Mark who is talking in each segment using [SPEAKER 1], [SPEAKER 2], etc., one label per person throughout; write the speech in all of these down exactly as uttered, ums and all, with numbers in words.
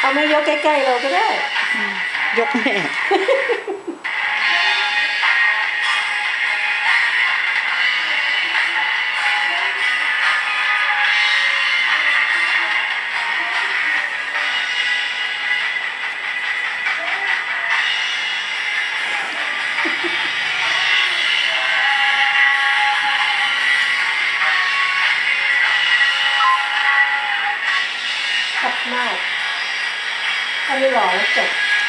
[SPEAKER 1] เอาไม่ยกใกล้ๆเราก็ได้
[SPEAKER 2] ยกแม่
[SPEAKER 1] ชัดมากถ้าไม่หล่อแล้วจบ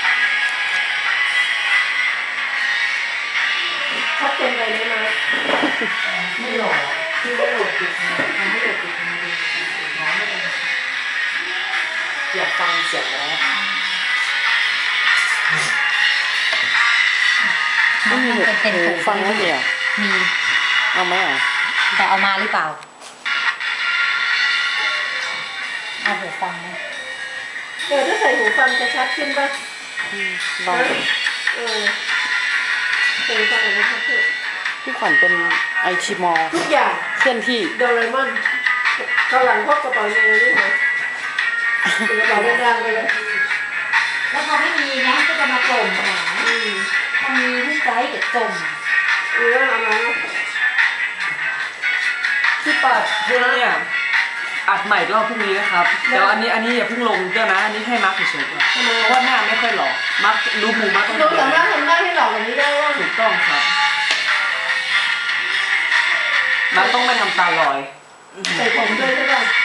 [SPEAKER 1] ชัดเกินไปไหมนะ
[SPEAKER 3] ไม่หล่อที่ไม่หล่อติดทำให้หล่อติดน้องไม่เป็นอยากฟังเสียงแล้ว
[SPEAKER 2] ไม่มีหูฟังไม่มีอ่ะ
[SPEAKER 4] มี
[SPEAKER 2] เอาไหมอ่ะ
[SPEAKER 4] แต่เอามาหรือเปล่าเอาหูฟังไหม
[SPEAKER 1] เออถ้าใส่หูฟังจะชัดขึ้นป่ะ
[SPEAKER 2] ลอง
[SPEAKER 1] เออใส่หูฟังอะไรชัดขึ้น
[SPEAKER 2] พี่ขวัญเป็นไอทีมอล
[SPEAKER 1] ทุกอย่าง
[SPEAKER 2] เคลื่อนที่
[SPEAKER 1] โดเรมอนข้างหลังพกกระเป๋าเงินนี่นะกระเป๋าเดินทางไปเลย
[SPEAKER 4] แล้วพอไม่มีนะก็จะมาจมหาถ้ามีที่ใจจะจม
[SPEAKER 1] เออเอามา
[SPEAKER 3] ที่ปัดเพลงเนี่ยอัดใหม่รอบพรุ่งนี้นะครับเดี๋ยวอันนี้อันนี้อย่าเพิ่งลงเดี๋ยวนะอันนี้ให้มาร์คเฉยๆก่อนเพราะว่าหน้าไม่ค่อยหล่อมาร์ครู้มูมาร์คต้อง
[SPEAKER 1] เราสามารถทำได้ให้หล่อแบบนี้ได้ว่า
[SPEAKER 3] ถูกต้องครับมาร์คต้องไม่ทำตาลอย
[SPEAKER 1] ใส่ผมด้วยใช่ป่ะ